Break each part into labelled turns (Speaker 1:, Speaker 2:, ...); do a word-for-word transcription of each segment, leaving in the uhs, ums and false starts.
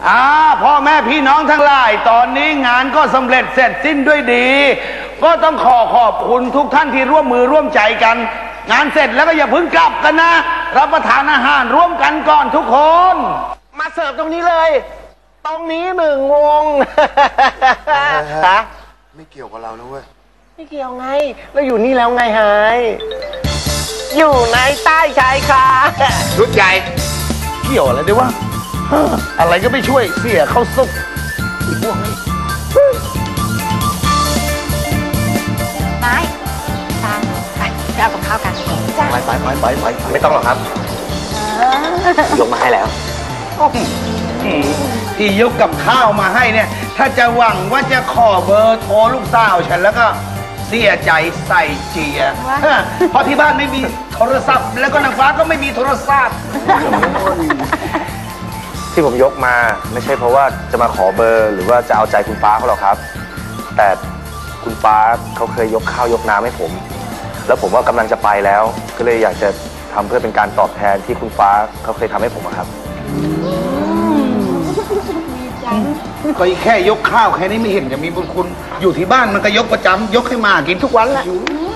Speaker 1: อ่าพ่อแม่พี่น้องทั้งหลายตอนนี้งานก็สำเร็จเสร็จสิ้นด้วยดีก็ต้องขอขอบคุณทุกท่านที่ร่วมมือร่วมใจกันงานเสร็จแล้วก็อย่าเพิ่งกลับกันนะรับประทานอาหารร่วมกันก่อนทุกคน
Speaker 2: มาเสิร์ฟตรงนี้เลยตรงนี้หนึ่งวงฮะ
Speaker 3: ไม่เกี่ยวกับเรานะเว้ย
Speaker 2: ไม่เกี่ยวไงเราอยู่นี่แล้วไงฮะอยู่ในใต้ชายคา
Speaker 1: ชุดใหญ่เกี่ยวอะไรด้วยวะอะไรก็ไม่ช่วยเสียเข้าซุกอีกพวกนี้
Speaker 4: ไม้ตามไปไปเอากับข้าวกัน
Speaker 2: ไปไปไปไปไปไม่ต้องหรอกครับยกมาให้แล้ว
Speaker 1: ที่ยกกับข้าวมาให้เนี่ยถ้าจะหวังว่าจะขอเบอร์โทรลูกสาวฉันแล้วก็เสียใจใส่เจียเพราะที่บ้านไม่มีโทรศัพท์แล้วก็นางฟ้าก็ไม่มีโทรศัพท์
Speaker 5: ที่ผมยกมาไม่ใช่เพราะว่าจะมาขอเบอร์หรือว่าจะเอาใจคุณฟ้าเขาหรอกครับแต่คุณฟ้าเขาเคยยกข้าวยกน้ำให้ผมแล้วผมว่ากำลังจะไปแล้วก็เลยอยากจะทำเพื่อเป็นการตอบแทนที่คุณฟ้าเขาเคยทำให้ผมครับ
Speaker 1: ก็แค่ยกข้าวแค่นี้ไม่เห็นจะมีบุญคุณอยู่ที่บ้านมันก็ยกประจำยกให้มากินทุกวันแหละ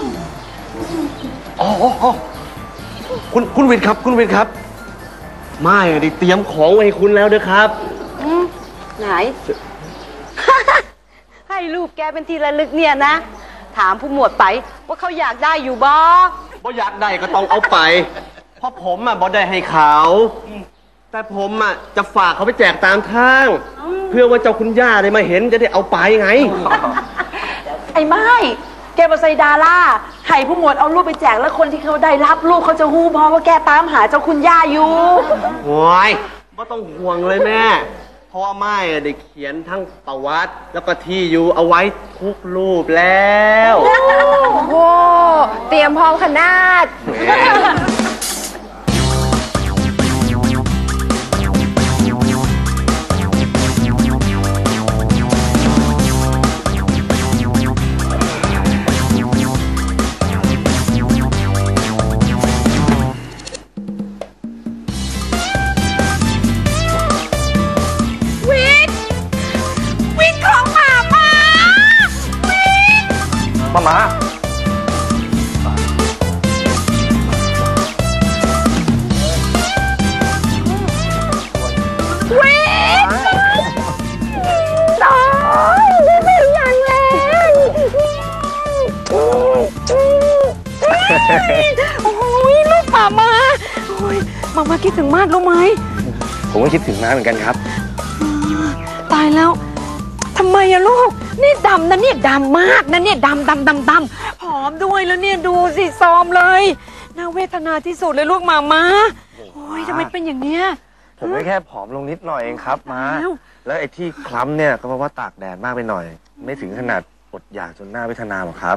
Speaker 2: อ๋อคุณคุณวิทย์ครับคุณวิทย์ครับไม่ได้เตรียมของไว้ให้คุณแล้วนะครับ
Speaker 4: ไหน ให้ลูกแกเป็นทีละลึกเนี่ยนะถามผู้หมวดไปว่าเขาอยากได้อยู่บ่
Speaker 2: บ่อยากได้ก็ต้องเอาไปเพราะผมอ่ะบ่ได้ให้เขาแต่ผมอ่ะจะฝากเขาไปแจกตามทางเพื่อว่าเจ้าคุณย่าได้มาเห็นจะได้เอาไปไง
Speaker 4: ไอ้ไม้แกมาใส่ดาราให้ผู้หมวดเอารูปไปแจกแล้วคนที่เขาได้รับรูปเขาจะฮู้เพราะว่าแกตามหาเจ้าคุณย่าอยู่
Speaker 2: โอ้ยไม่ต้องห่วงเลยแม่เพราะว่าไม้ได้เขียนทั้งประวัติแล้วก็ที่อยู่เอาไว้ทุกรูปแล้ว
Speaker 4: โอ้โหเตรียมพร้อมขนาด
Speaker 5: มามา
Speaker 4: วิทน้อยได้เป็นอย่างแล้วโอ้ยลูกป่ามาโอ้ยมามาคิดถึงมากรู้ไหม
Speaker 5: ผมก็คิดถึงน้าเหมือนกันครับ
Speaker 4: ตายแล้วทำไมอะลูกนี่ดำนะเนี่ยดำมากนะเนี่ยดำดำดำดำผอมด้วยแล้วเนี่ยดูสิซอมเลยน่าเวทนาที่สุดเลยลูกมามาโอ้ยทำไมเป็นอย่างเนี้ย
Speaker 5: ผมไม่แค่ผอมลงนิดหน่อยเองครับมาแล้วไอ้ที่คล้ำเนี่ยก็เพราะว่าตากแดดมากไปหน่อยไม่ถึงขนาดอดอยากจนหน้าเวทนาหรอกครับ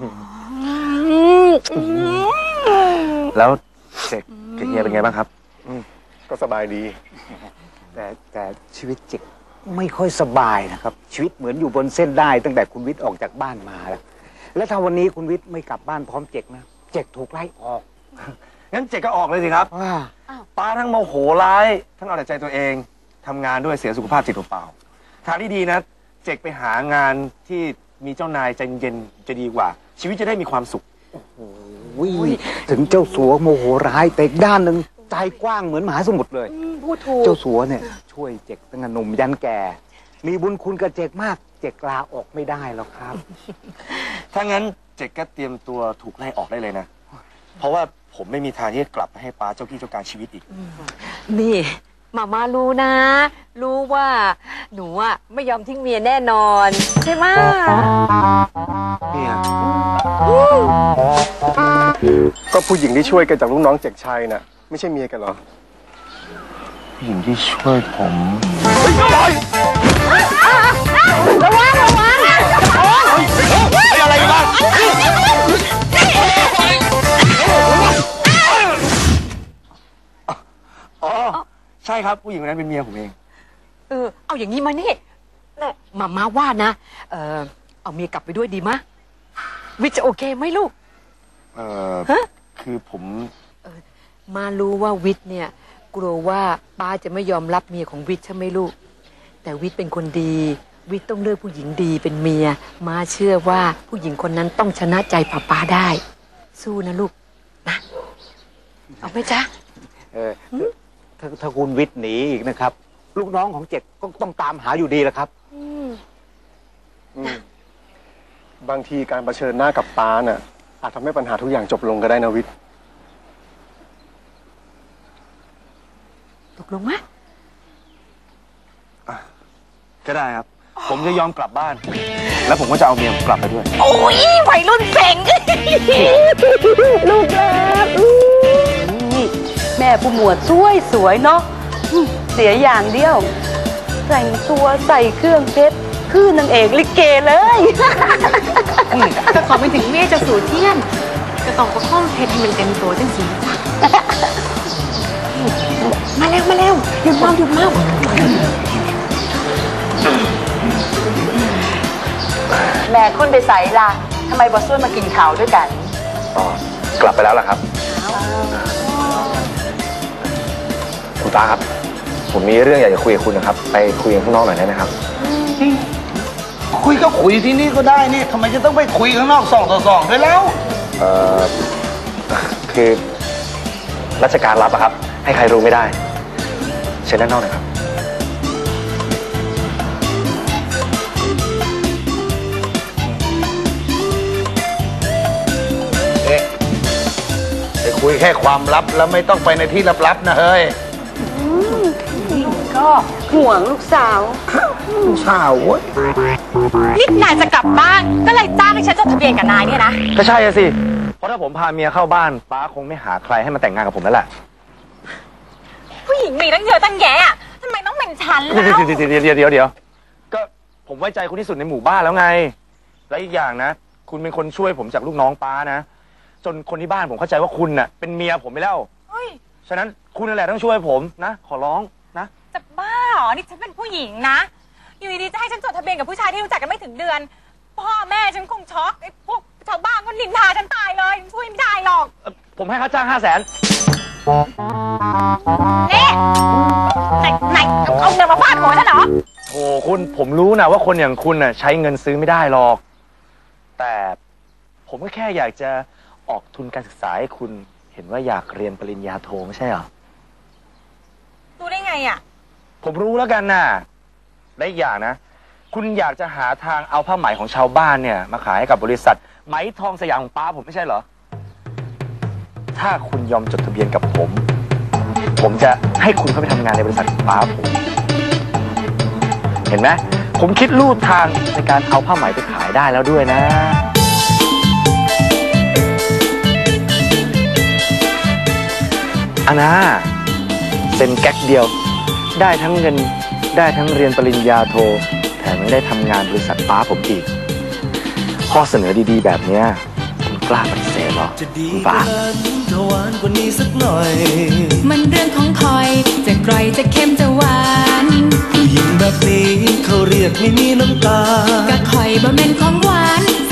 Speaker 5: แล้วเจ๊กเฮียเป็นไงบ้างครับ
Speaker 3: ก็สบายดีแต่แต่ชีวิตเจ๊กไม่ค่อยสบายนะครับชีวิตเหมือนอยู่บนเส้นได้ตั้งแต่คุณวิทย์ออกจากบ้านมาแล้วแล้วถ้าวันนี้คุณวิทย์ไม่กลับบ้านพร้อมเจ๊กนะเจ๊กถูกไล่ออก
Speaker 5: งั้นเจ๊กก็ออกเลยสิครับป้าทั้งโมโหร้ายทั้งเอาแต่ใจตัวเองทำงานด้วยเสียสุขภาพจิตเปล่าทางที่ดีนะเจ๊กไปหางานที่มีเจ้านายใจเย็นจะดีกว่าชีวิตจะได้มีความสุข
Speaker 3: โอ้ยถึงเจ้าสัวโมโหร้ายแต่ด้านหนึ่งใจกว้างเหมือนมหาสมุทรเลย
Speaker 4: พูดถูก
Speaker 3: เจ้าสัวเนี่ยช่วยเจ๊กตั้งแต่หนุ่มยันแก่มีบุญคุณกับเจ๊กมากเจ๊กลาออกไม่ได้หรอกครับ
Speaker 5: ถ้างั้นเจ๊กก็เตรียมตัวถูกไล่ออกได้เลยนะเพราะว่าผมไม่มีทางที่จะกลับมาให้ป้าเจ้าที่เจ้าการชีวิตอีก
Speaker 4: นี่มาม่ารู้นะรู้ว่าหนูอ่ะไม่ยอมทิ้งเมียแน่นอนใช่ไหม
Speaker 5: เนี่ย
Speaker 3: ก็ผู้หญิงที่ช่วยกันจากลูกน้องเจ๊กชัยน่ะไม่ใช่เมียกันเหรอ
Speaker 5: ผู้หญิงที่ช่วยผม
Speaker 4: ระวังระวังโอ้
Speaker 5: ยอะไรกันบ้างอ๋อใช่ครับผู้หญิงคนนั้นเป็นเมียผมเอง
Speaker 4: เออเอาอย่างนี้มานี่มาม่าว่านะเออเอาเมียกลับไปด้วยดีมะวิทย์จะโอเคไหมลูก
Speaker 5: เออคือผม
Speaker 4: มารู้ว่าวิทย์เนี่ยกลัวว่าป้าจะไม่ยอมรับเมียของวิทย์ใช่ไหมลูกแต่วิทย์เป็นคนดี วิทย์ต้องเลือกผู้หญิงดีเป็นเมียมาเชื่อว่าผู้หญิงคนนั้นต้องชนะใจป้าป้าได้ สู้นะลูกนะเอาไหมจ๊ะ
Speaker 3: เออถ้าถ้าคุณวิทย์หนีอีกนะครับ ลูกน้องของเจ็กก็ต้องตามหาอยู่ดีแหละครับ
Speaker 6: บางทีการเผชิญหน้ากับป้าน่ะอาจทำให้ปัญหาทุกอย่างจบลงก็ได้นะวิทย์
Speaker 4: ตกลงไหม
Speaker 5: ก็ได้ครับ ผมจะยอมกลับบ้าน แล้วผมก็จะเอาเมียผมกลับไปด้วย
Speaker 4: โอ้ยวัยรุ่นเซ็งลูกรัก
Speaker 7: แม่ผู้หมวดสวยสวยเนาะเสียอย่างเดียวแต่งตัวใส่เครื่องเพชรคือนางเอกลิเกเลย
Speaker 8: ก็ขอไปถึงแม่จะสู่เที่ยนจะต้องประคองเพชรให้มันเต็มตัวจังสิ
Speaker 4: มาแล้วมาแล้วหยุดเมาหยุดเมา
Speaker 7: แม่คนไปใส่ละทำไมบอสวนมากินข้าวด้วยกัน
Speaker 5: อ๋อกลับไปแล้วล่ะครับคุณตาครับผมมีเรื่องอยากจะคุยกับคุณนะครับไปคุยกันข้างนอกหน่อยได้ไหมครับ
Speaker 1: คุยก็คุยที่นี่ก็ได้นี่ทำไมจะต้องไปคุยข้างนอกสองต่อสองด้วยแล้ว
Speaker 5: เอ่อคือราชการรับอะครับให้ใครรู้ไม่ได้เชิญด้านนอกหน่อยครับ
Speaker 1: เอ๊ะไปคุยแค่ความลับแล้วไม่ต้องไปในที่ลับๆนะเฮ้ย
Speaker 7: ก็ห่วงลูกสาว
Speaker 1: ลูกสาวเว้ย
Speaker 8: นี่นายจะกลับบ้านก็เลยจ้างให้ฉันจดทะเบียนกับนายเนี่ยนะ
Speaker 5: ก็ใช่สิเพราะถ้าผมพาเมียเข้าบ้านป้าคงไม่หาใครให้มาแต่งงานกับผมแล้วแหละ
Speaker 8: ผู้หญิงมีตั้งเยอะตั้งแยะทำไมต้องเป็นฉันแล้ว
Speaker 5: เดี๋ยวเดี๋ยวเดี๋ยวเดี๋ยวเดี๋ยวก็ผมไว้ใจคุณที่สุดในหมู่บ้านแล้วไงและอีกอย่างนะคุณเป็นคนช่วยผมจากลูกน้องป้านะจนคนที่บ้านผมเข้าใจว่าคุณน่ะเป็นเมียผมไปแล้วฉะนั้นคุณนั่นแหละต้องช่วยผมนะขอร้องนะ
Speaker 8: จะบ้าเหรอนี่ฉันเป็นผู้หญิงนะอยู่ดีๆจะให้ฉันจดทะเบียนกับผู้ชายที่รู้จักกันไม่ถึงเดือนพ่อแม่ฉันคงช็อกไอ้พวกชาวบ้านก็นินทาฉันตายเลยช่วยไม่ได้หรอก
Speaker 5: ผมให้ค่าจ้างห้าแสน
Speaker 8: นี่ไหนไหนเอาเงินมาฟาดหัวฉันเหรอ
Speaker 5: โอ้คุณผมรู้นะว่าคนอย่างคุณน่ะใช้เงินซื้อไม่ได้หรอกแต่ผมก็แค่อยากจะออกทุนการศึกษาให้คุณเห็นว่าอยากเรียนปริญญาโทไม่ใช่เหรอ
Speaker 8: รู้ได้ไงอ่ะ
Speaker 5: ผมรู้แล้วกันน่ะและอีกอย่างนะคุณอยากจะหาทางเอาผ้าไหมของชาวบ้านเนี่ยมาขายให้กับบริษัทไหมทองสยามของป้าผมไม่ใช่เหรอถ้าคุณยอมจดทะเบียนกับผมผมจะให้คุณเข้าไปทำงานในบริษัทป้าผมเห็นไหมผมคิดลู่ทางในการเอาผ้าไหมไปขายได้แล้วด้วยนะอานาเซ็นแก๊กเดียวได้ทั้งเงินได้ทั้งเรียนปริญญาโทแถมยังได้ทำงานบริษัทป้าผมอีกข้อเสนอดีๆแบบนี้คุณกล้าปฏิเสธเหรอคุณป้า
Speaker 9: มันเรื่องของคอยจะกร่อยจะเค็มจะหวานผู้หญิงแบบนี้เขาเรียกไม่มีน้ำตาก็คอยบ่แม่นของหวาน